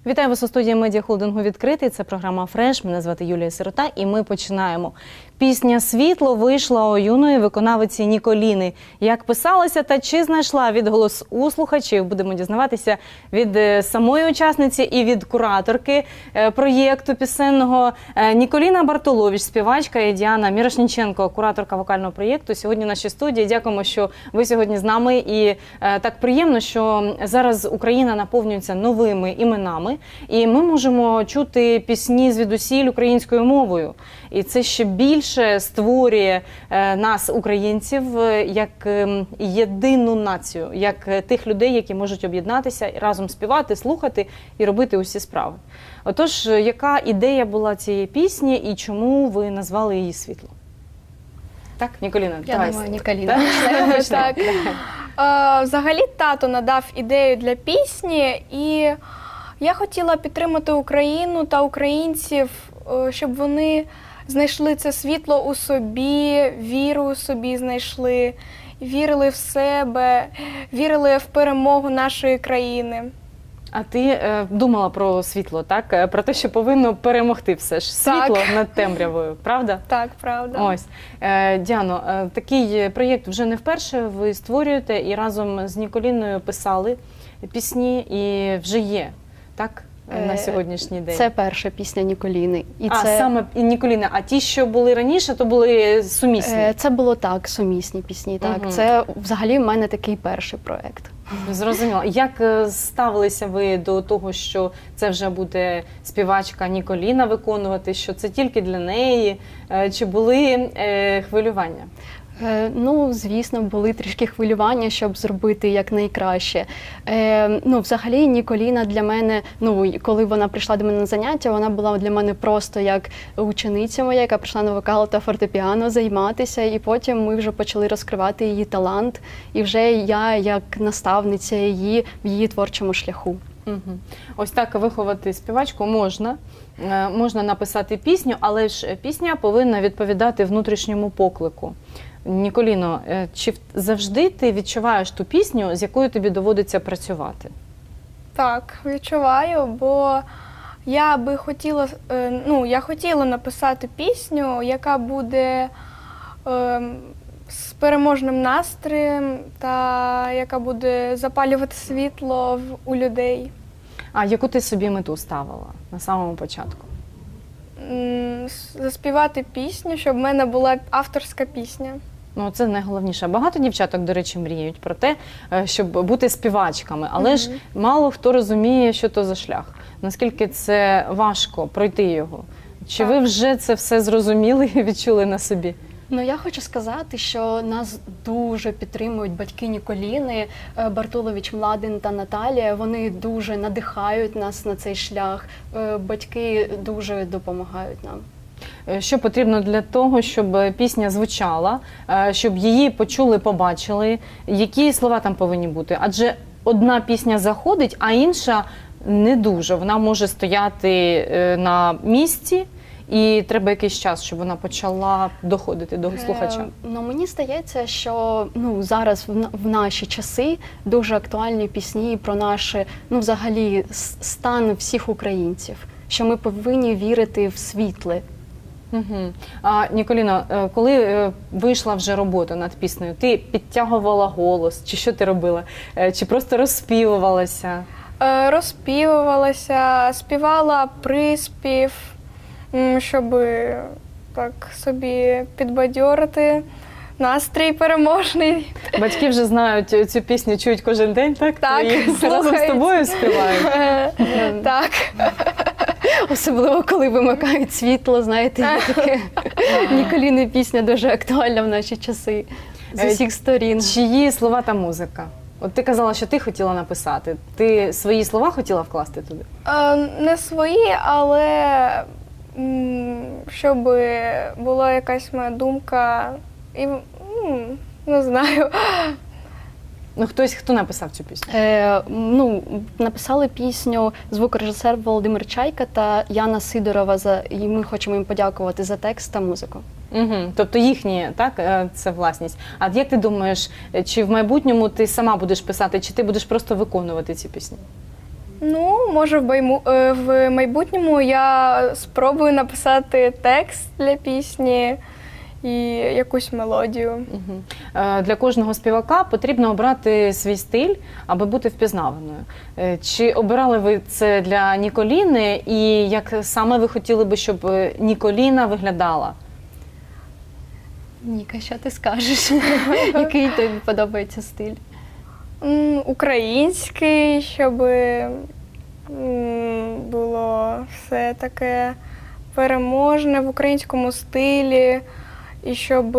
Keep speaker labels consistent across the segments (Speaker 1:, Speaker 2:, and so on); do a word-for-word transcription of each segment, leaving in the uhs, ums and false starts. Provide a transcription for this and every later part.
Speaker 1: Вітаю вас у студії медіахолдингу «Відкритий». Це програма «Фреш». Мене звати Юлія Сирота і ми починаємо. Пісня «Світло» вийшла у юної виконавиці Ніколіни. Як писалася та чи знайшла відголос у слухачів, будемо дізнаватися від самої учасниці і від кураторки проєкту пісенного. Ніколіна Бартолович, співачка, і Діана Мірошніченко, кураторка вокального проєкту, сьогодні в нашій студії. Дякуємо, що ви сьогодні з нами. І так приємно, що зараз Україна наповнюється новими іменами. І ми можемо чути пісні звідусіль українською мовою. І це ще більше створює нас, українців, як єдину націю, як тих людей, які можуть об'єднатися, разом співати, слухати і робити усі справи. Отож, яка ідея була цієї пісні і чому ви назвали її «Світло»? Так, Ніколіна?
Speaker 2: Я
Speaker 1: давай.
Speaker 2: думаю, Ніколіна.
Speaker 3: Так. Взагалі, тато надав ідею для пісні, і я хотіла підтримати Україну та українців, щоб вони знайшли це світло у собі, віру у собі знайшли, вірили в себе, вірили в перемогу нашої країни.
Speaker 1: А ти е, думала про світло, так? Про те, що повинно перемогти все ж світло
Speaker 3: Так.
Speaker 1: над темрявою, правда?
Speaker 3: Так, правда.
Speaker 1: Ось. Е, Діано, е, такий проєкт вже не вперше ви створюєте і разом з Ніколіною писали пісні і вже є, так? На сьогоднішній день.
Speaker 2: Це перша пісня Ніколіни. І
Speaker 1: а,
Speaker 2: це...
Speaker 1: саме Ніколіна. А ті, що були раніше, то були сумісні?
Speaker 2: Це було так, сумісні пісні. Так.
Speaker 1: Угу.
Speaker 2: Це взагалі в мене такий перший проєкт.
Speaker 1: Зрозуміло. Як ставилися ви до того, що це вже буде співачка Ніколіна виконувати, що це тільки для неї? Чи були е, хвилювання?
Speaker 2: Ну, звісно, були трішки хвилювання, щоб зробити якнайкраще. Е, ну, взагалі, Ніколіна для мене, ну, коли вона прийшла до мене на заняття, вона була для мене просто як учениця моя, яка прийшла на вокал та фортепіано займатися, і потім ми вже почали розкривати її талант, і вже я, як наставниця її в її творчому шляху.
Speaker 1: Угу. Ось так виховати співачку можна. Е, можна написати пісню, але ж пісня повинна відповідати внутрішньому поклику. Ніколіно, чи завжди ти відчуваєш ту пісню, з якою тобі доводиться працювати?
Speaker 3: Так, відчуваю, бо я би хотіла, ну, я хотіла написати пісню, яка буде е, з переможним настроєм та яка буде запалювати світло в, у людей.
Speaker 1: А яку ти собі мету ставила на самому початку?
Speaker 3: Заспівати пісню, щоб в мене була авторська пісня. Ну,
Speaker 1: це найголовніше. Багато дівчаток, до речі, мріють про те, щоб бути співачками, але mm-hmm. ж мало хто розуміє, що то за шлях. Наскільки це важко пройти його? Чи так. ви вже це все зрозуміли і відчули на собі?
Speaker 2: Ну, я хочу сказати, що нас дуже підтримують батьки Ніколіни, Бартолович Младен та Наталія. Вони дуже надихають нас на цей шлях. Батьки дуже допомагають нам.
Speaker 1: Що потрібно для того, щоб пісня звучала, щоб її почули, побачили? Які слова там повинні бути? Адже одна пісня заходить, а інша не дуже. Вона може стояти на місці, і треба якийсь час, щоб вона почала доходити до слухача.
Speaker 2: Е, ну, мені здається, що ну, зараз в, в наші часи дуже актуальні пісні про наш, ну, взагалі, стан всіх українців. Що ми повинні вірити в світле.
Speaker 1: Угу. А, Ніколіно, коли вийшла вже робота над піснею, ти підтягувала голос, чи що ти робила? Чи просто розспівувалася?
Speaker 3: Е, розспівувалася, співала приспів, щоб так собі підбадьорити, настрій переможний.
Speaker 1: Батьки вже знають цю пісню, чують кожен день, так?
Speaker 3: Так,
Speaker 1: і разом з тобою співають?
Speaker 3: Так.
Speaker 2: Особливо, коли вимикають світло, знаєте, є таке. Ніколіни пісня дуже актуальна в наші часи з усіх сторін.
Speaker 1: Чиї слова та музика? От ти казала, що ти хотіла написати. Ти свої слова хотіла вкласти туди?
Speaker 3: Е, не свої, але щоб була якась моя думка, і, ну, не знаю.
Speaker 1: Ну, хтось, хто написав цю пісню?
Speaker 2: Е, ну, написали пісню звукорежисер Володимир Чайка та Яна Сидорова, за, і ми хочемо їм подякувати за текст та музику.
Speaker 1: Угу. Тобто їхні, так, це власність. А як ти думаєш, чи в майбутньому ти сама будеш писати, чи ти будеш просто виконувати ці пісні?
Speaker 3: Ну, може, в, байму... е, в майбутньому я спробую написати текст для пісні і якусь мелодію.
Speaker 1: Мгм. Е, Для кожного співака потрібно обрати свій стиль, аби бути впізнаваною. Е, Чи обирали ви це для Ніколіни, і як саме ви хотіли би, щоб е, Ніколіна виглядала?
Speaker 2: Ніка, що ти скажеш? Який тобі подобається стиль?
Speaker 3: М, Український, щоб м, було все таке переможне в українському стилі, і щоб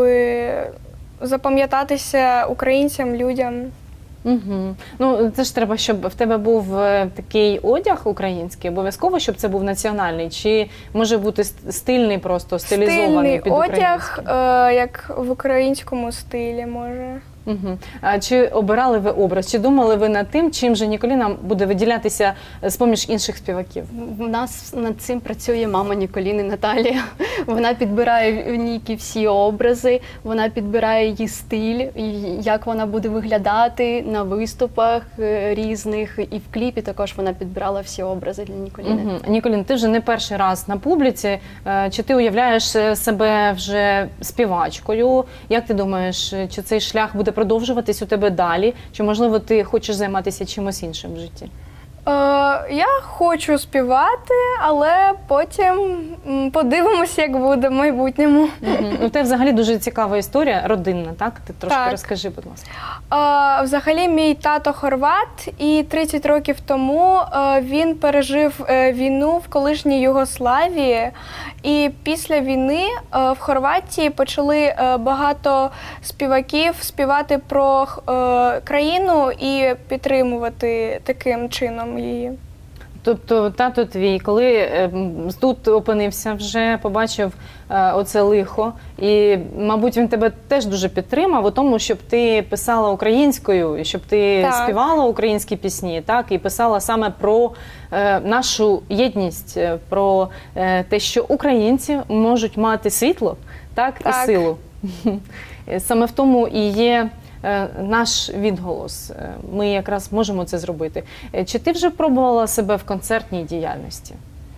Speaker 3: запам'ятатися українцям, людям.
Speaker 1: Угу. Ну, це ж треба, щоб в тебе був е, такий одяг український, обов'язково, щоб це був національний, чи може бути ст- стильний просто, стилізований
Speaker 3: Стильний
Speaker 1: під
Speaker 3: одяг,
Speaker 1: український?
Speaker 3: е, як в українському стилі, може.
Speaker 1: Угу. А чи обирали ви образ? Чи думали ви над тим, чим же Ніколіна буде виділятися з-поміж інших співаків?
Speaker 2: У нас над цим працює мама Ніколіни Наталія. Вона підбирає в Нікі всі образи, вона підбирає її стиль, і як вона буде виглядати на виступах е, різних. І в кліпі також вона підбирала всі образи для Ніколіни.
Speaker 1: Угу. Ніколін, ти вже не перший раз на публіці. Е, Чи ти уявляєш е, себе вже співачкою? Як ти думаєш, е, чи цей шлях буде продовжуватись у тебе далі? Чи, можливо, ти хочеш займатися чимось іншим в житті?
Speaker 3: Е, я хочу співати, але потім м, подивимося, як буде в майбутньому.
Speaker 1: Угу. У тебе взагалі дуже цікава історія, родинна, так? Ти трошки
Speaker 3: Так.
Speaker 1: розкажи, будь ласка.
Speaker 3: Е, взагалі, мій тато хорват, і тридцять років тому е, він пережив е, війну в колишній Югославії. І після війни е, в Хорватії почали е, багато співаків співати про е, країну і підтримувати таким чином її.
Speaker 1: Тобто тато твій, коли е, м, тут опинився вже, побачив е, оце лихо, і, мабуть, він тебе теж дуже підтримав у тому, щоб ти писала українською, і щоб ти
Speaker 3: Так.
Speaker 1: співала українські пісні, так, і писала саме про е, нашу єдність, е, про е, те, що українці можуть мати світло, так, і
Speaker 3: Так.
Speaker 1: силу. Саме в тому і є е, наш відголос. Е, Ми якраз можемо це зробити. Е, Чи ти вже пробувала себе в концертній діяльності?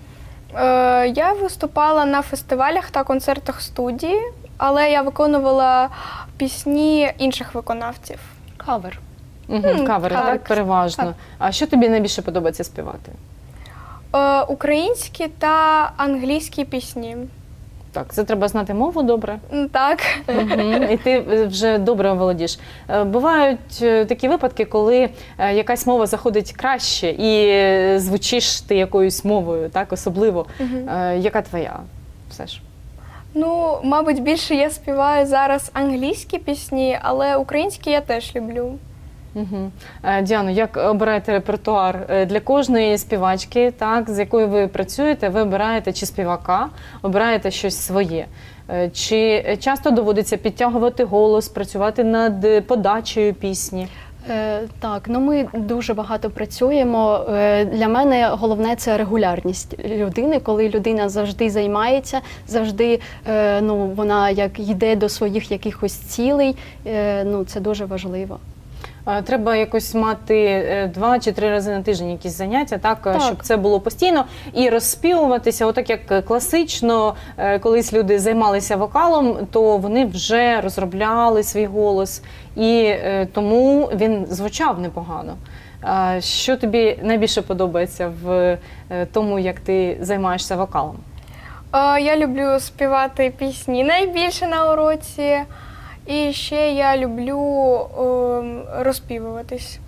Speaker 3: Е, я виступала на фестивалях та концертах студії, але я виконувала пісні інших виконавців.
Speaker 2: Кавер.
Speaker 1: Угу,
Speaker 3: М,
Speaker 1: кавери, так,
Speaker 3: так.
Speaker 1: переважно.
Speaker 3: Так.
Speaker 1: А що тобі найбільше подобається співати?
Speaker 3: Е, українські та англійські пісні.
Speaker 1: Так, це треба знати мову добре.
Speaker 3: М, Так.
Speaker 1: Мгм. І ти е, вже добре володієш. Е, Бувають е, такі випадки, коли е, якась мова заходить краще і е, звучиш ти якоюсь мовою, так, особливо.
Speaker 3: Мгм.
Speaker 1: Е, Яка твоя? Все ж.
Speaker 3: Ну, мабуть, більше я співаю зараз англійські пісні, але українські я теж люблю.
Speaker 1: Угу. Діано, як обираєте репертуар Е, для кожної співачки, так, з якою ви працюєте, ви обираєте чи співака, обираєте щось своє. Е, Чи часто доводиться підтягувати голос, працювати над е, подачею пісні?
Speaker 2: Е, Так, ну ми дуже багато працюємо. Е, Для мене головне це регулярність людини, коли людина завжди займається, завжди е, ну, вона як йде до своїх якихось цілей. Е, Ну, це дуже важливо.
Speaker 1: Е, Треба якось мати е, два чи три рази на тиждень якісь заняття, так, е,
Speaker 2: Так.
Speaker 1: щоб це було постійно, і розспівуватися, отак як класично, е, колись люди займалися вокалом, то вони вже розробляли свій голос, і е, тому він звучав непогано. А що тобі найбільше подобається в е, тому, як ти займаєшся вокалом?
Speaker 3: Е, Я люблю співати пісні найбільше на уроці. І ще я люблю ем, розпівуватись.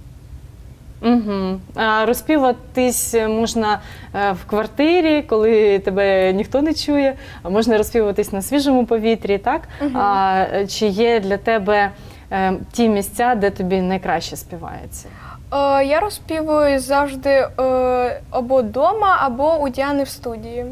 Speaker 1: Угу. А розпіватись можна е, в квартирі, коли тебе ніхто не чує, а можна розпіватись на свіжому повітрі, так?
Speaker 3: Мгм.
Speaker 1: А е, чи є для тебе е, ті місця, де тобі найкраще співається?
Speaker 3: Е, Я розпівую завжди е, або вдома, або у Діани в студії.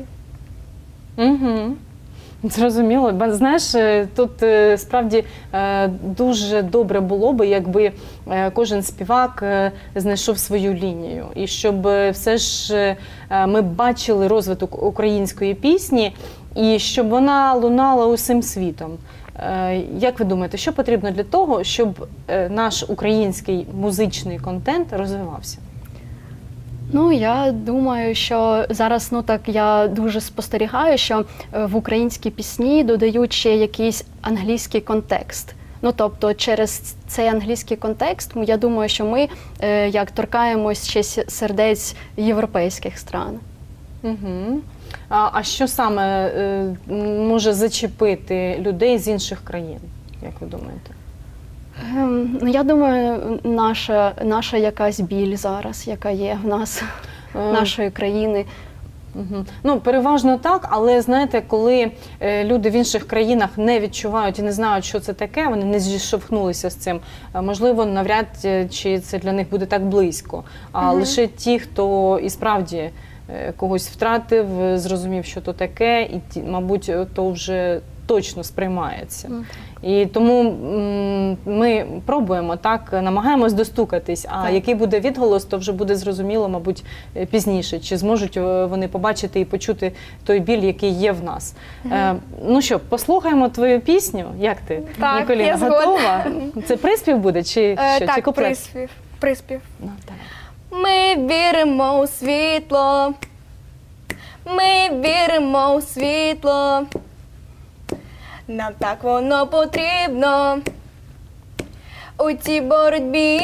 Speaker 1: Угу. Зрозуміло. Ба- Знаєш, е, тут е, справді е, дуже добре було би, якби е, кожен співак е, знайшов свою лінію. І щоб е, все ж е, ми бачили розвиток української пісні, і щоб вона лунала усім світом. Е, Як ви думаєте, що потрібно для того, щоб е, наш український музичний контент розвивався?
Speaker 2: Ну, я думаю, що зараз, ну так, я дуже спостерігаю, що е, в українські пісні додають ще якийсь англійський контекст. Ну, тобто, через цей англійський контекст, я думаю, що ми е, як торкаємось ще с- сердець європейських стран.
Speaker 1: Угу. А, а що саме е, може зачепити людей з інших країн, як ви думаєте?
Speaker 2: Ем, ну, я думаю, наша, наша якась біль зараз, яка є в нас,
Speaker 1: Е,
Speaker 2: нашої країни.
Speaker 1: Угу. Ну, переважно так, але знаєте, коли е, люди в інших країнах не відчувають і не знають, що це таке, вони не зіштовхнулися з цим, е, можливо, навряд е, чи це для них буде так близько. А
Speaker 3: Мгм.
Speaker 1: лише ті, хто і справді е, когось втратив, е, зрозумів, що то таке, і, ті, мабуть, то вже точно сприймається.
Speaker 2: Мгм.
Speaker 1: І тому м, ми пробуємо так, намагаємось достукатись, а
Speaker 2: Так.
Speaker 1: який буде відголос, то вже буде зрозуміло, мабуть, е, пізніше, чи зможуть е, вони побачити і почути той біль, який є в нас. Е, ну що, послухаємо твою пісню. Як ти,
Speaker 3: Так,
Speaker 1: Ніколіна,
Speaker 3: я згодна.
Speaker 1: готова? Це приспів буде, чи
Speaker 3: Е,
Speaker 1: що? Чи
Speaker 3: так,
Speaker 1: куплет?
Speaker 3: приспів. приспів.
Speaker 1: Ну, так.
Speaker 3: Ми віримо у світло, ми віримо у світло, нам так воно потрібно у цій боротьбі,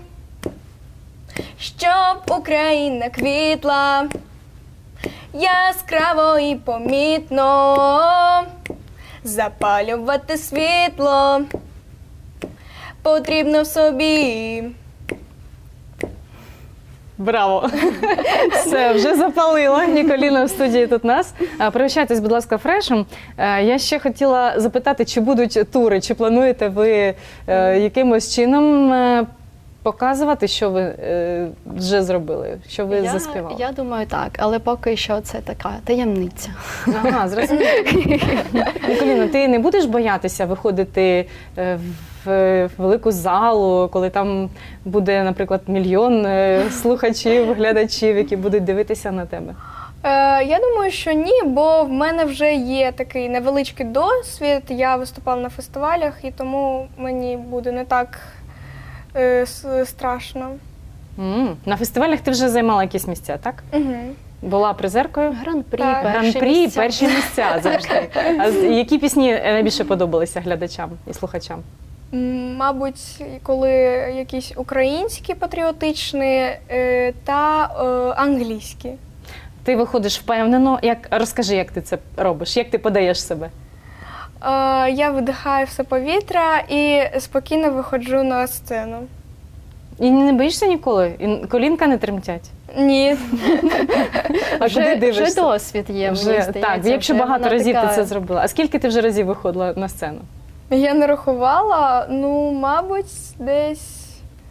Speaker 3: щоб Україна квітла яскраво і помітно, запалювати світло потрібно в собі.
Speaker 1: Браво! Все, вже запалила Ніколіна в студії тут нас. А, Пригощайтесь, будь ласка, фрешем. Е, Я ще хотіла запитати, чи будуть тури, чи плануєте ви е, якимось чином е, показувати, що ви е, вже зробили, що ви
Speaker 2: я,
Speaker 1: заспівали?
Speaker 2: я думаю, так, але поки що це така таємниця.
Speaker 1: Ага, зрозуміло. Ніколіна, ти не будеш боятися виходити е, в велику залу, коли там буде, наприклад, мільйон е, слухачів, глядачів, які будуть дивитися на тебе?
Speaker 3: Е, я думаю, що ні, бо в мене вже є такий невеличкий досвід. Я виступала на фестивалях, і тому мені буде не так е, с- страшно.
Speaker 1: М, На фестивалях ти вже займала якісь місця, так?
Speaker 3: Угу.
Speaker 1: Була призеркою?
Speaker 2: Гран-прі,
Speaker 3: Так.
Speaker 2: перші
Speaker 1: Гран-прі,
Speaker 2: місця.
Speaker 1: перші місця завжди. А з- які пісні найбільше подобалися глядачам і слухачам?
Speaker 3: Мабуть, коли якісь українські патріотичні е, та е, англійські.
Speaker 1: Ти виходиш впевнено. Як, розкажи, як ти це робиш, як ти подаєш себе?
Speaker 3: Е, я видихаю все повітря і спокійно виходжу на сцену.
Speaker 1: І не боїшся ніколи? І колінка не тремтять?
Speaker 3: Ні.
Speaker 1: А
Speaker 2: вже,
Speaker 1: куди дивишся?
Speaker 2: вже досвід є, мені
Speaker 1: Вже,
Speaker 2: здається.
Speaker 1: так, якщо
Speaker 2: вже
Speaker 1: багато
Speaker 2: вона
Speaker 1: разів
Speaker 2: така-
Speaker 1: ти це зробила. А скільки ти вже разів виходила на сцену?
Speaker 3: Я не рахувала, ну, мабуть, десь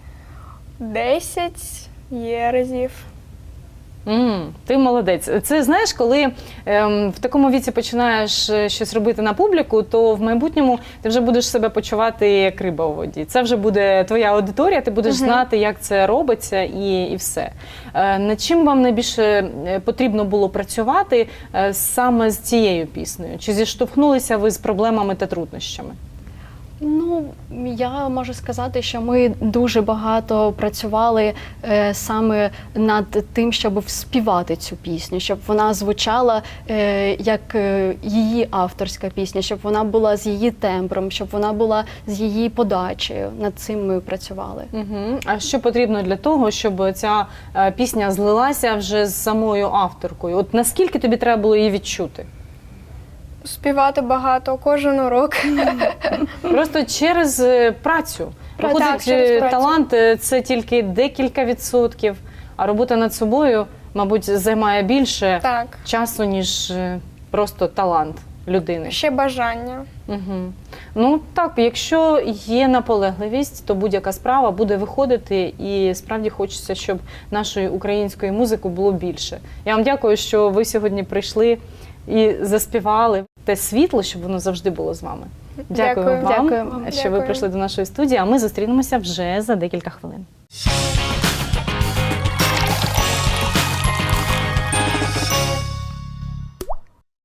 Speaker 3: десять є разів.
Speaker 1: М, ти молодець. Це знаєш, коли ем, в такому віці починаєш е, щось робити на публіку, то в майбутньому ти вже будеш себе почувати як риба у воді. Це вже буде твоя аудиторія, ти будеш
Speaker 3: Мгм.
Speaker 1: знати, як це робиться, і, і все. Е, над чим вам найбільше е, потрібно було працювати е, саме з цією піснею? Чи зіштовхнулися ви з проблемами та труднощами?
Speaker 2: Ну, я можу сказати, що ми дуже багато працювали е, саме над тим, щоб співати цю пісню, щоб вона звучала е, як е, її авторська пісня, щоб вона була з її тембром, щоб вона була з її подачею. Над цим ми працювали.
Speaker 1: Угу. А що потрібно для того, щоб ця е, пісня злилася вже з самою авторкою? От наскільки тобі треба було її відчути?
Speaker 3: Співати багато, кожен урок.
Speaker 1: Просто через е, працю.
Speaker 3: Так,
Speaker 1: Виходить,
Speaker 3: через
Speaker 1: е,
Speaker 3: працю.
Speaker 1: талант е, це тільки декілька відсотків, а робота над собою, мабуть, займає більше
Speaker 3: Так,
Speaker 1: часу, ніж е, просто талант людини.
Speaker 3: ще бажання.
Speaker 1: Угу. Ну так, якщо є наполегливість, то будь-яка справа буде виходити, і справді хочеться, щоб нашої української музики було більше. Я вам дякую, що ви сьогодні прийшли і заспівали те світло, щоб воно завжди було з вами. Дякую,
Speaker 3: Дякую.
Speaker 1: вам,
Speaker 2: Дякую.
Speaker 1: що ви
Speaker 3: Дякую.
Speaker 1: прийшли до нашої студії, а ми зустрінемося вже за декілька хвилин.